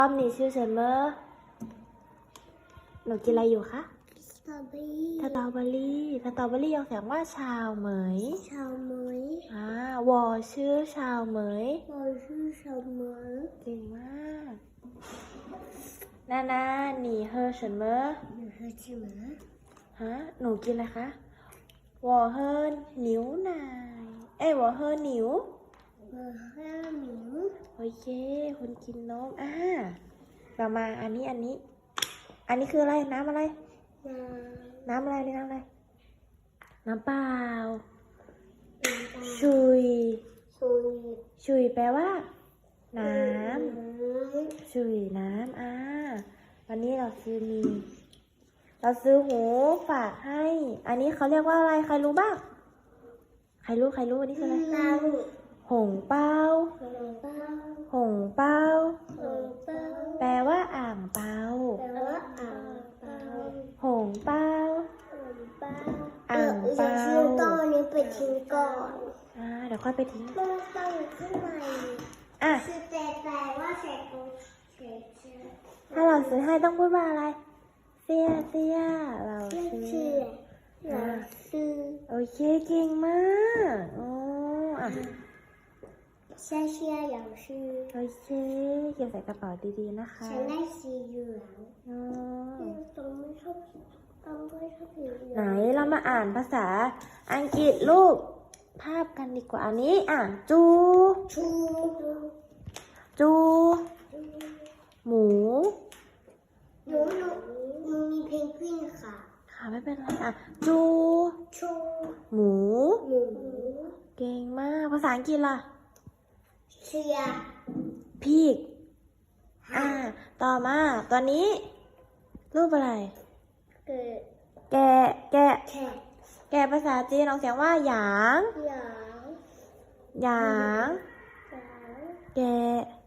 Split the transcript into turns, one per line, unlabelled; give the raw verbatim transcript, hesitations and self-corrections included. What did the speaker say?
รอบนี้ชื่อเซมเมอร์หนูกินอะไรอยู่คะ
สตรอเบอรี่
สตรอเบอรี่สตรอเบอรี่ออกเสียงว่าชาวเหมย
ชาวเหมย
อ่าวอชื่อชาวเหมย
我是小门
เก่งมากนานาหนีเฮอเฉินเมอร์
你喝什么
ฮะหนูกินอะไรคะวอเฮินหนิวนายเอ้ยวอเฮินหนิว
我喝牛
โอเคคุณกินนมอ่าเรามาอันนี้อันนี้ อันนี้คืออะไรน้ำอะไร
น้
น้ำอะไรนี่น้ำอะไรน้ำเปล่า
ำน้ำตาล
ชุย
ซุย
ชุยแปลว่า น้
น้
ำชุยน้ำอ่าวันนี้เราซื้อมี เราซื้อหูฝากให้ อันนี้เขาเรียกว่าอะไรใครรู้บ้างใครรู้ใครรู้อันนี้คืออะไร
ำน้ำ
หงเปา
ขนมปัง
หงเปา
ขนมปัง
แปลว่าอ่างเปา
แปลว่าอ่างเปา
หงเปา
ขนมปัง
อ่างเปา
ดี๋ยวฉันต้องเอานี้ไปทิ้งก่อน
อ่าเดี๋ยวค่อยไปทิ้ง
ต้องต้องอยู่ข้างใน
อ่ะ
คือแต่แต่ว่าใส่ตรงเฉยเฉย
ถ้าเราซื้อให้ต้องพูดว่าอะไรเสียเสียเรา
ไม่
ซื้อ
เชื่อเราซื้อ
โอเคเก่งมากโอ้อ่ะ
ใช่เชื่อเราซื้อ
โอเคเก็บใส่กระเป๋าดีๆนะคะ
ฉันได้สีเหลือง
อ๋อ
ต้องไม่ชอบต้องไม่ชอบสีเหลือง
ไหนเรามาอ่านภาษาอังกฤษรูปภาพกันดีกว่าอันนี้อ่ะจู
ชู
จู หมู
หนูหนูหนูมีเพนกวินค่ะ
ค่ะไม่เป็นไรอ่ะจู
ชู
หมู
หมู
เก่งมากภาษาอังกฤษล่ะ
เชีย
พีกอ่า ต่อมาตอนนี้ รูปอะไร
เกิด
แกะ แกะ
แค่
แกะภาษาจีนออกเสียงว่าหยาง
หยาง
หยาง
หยาง
แกะ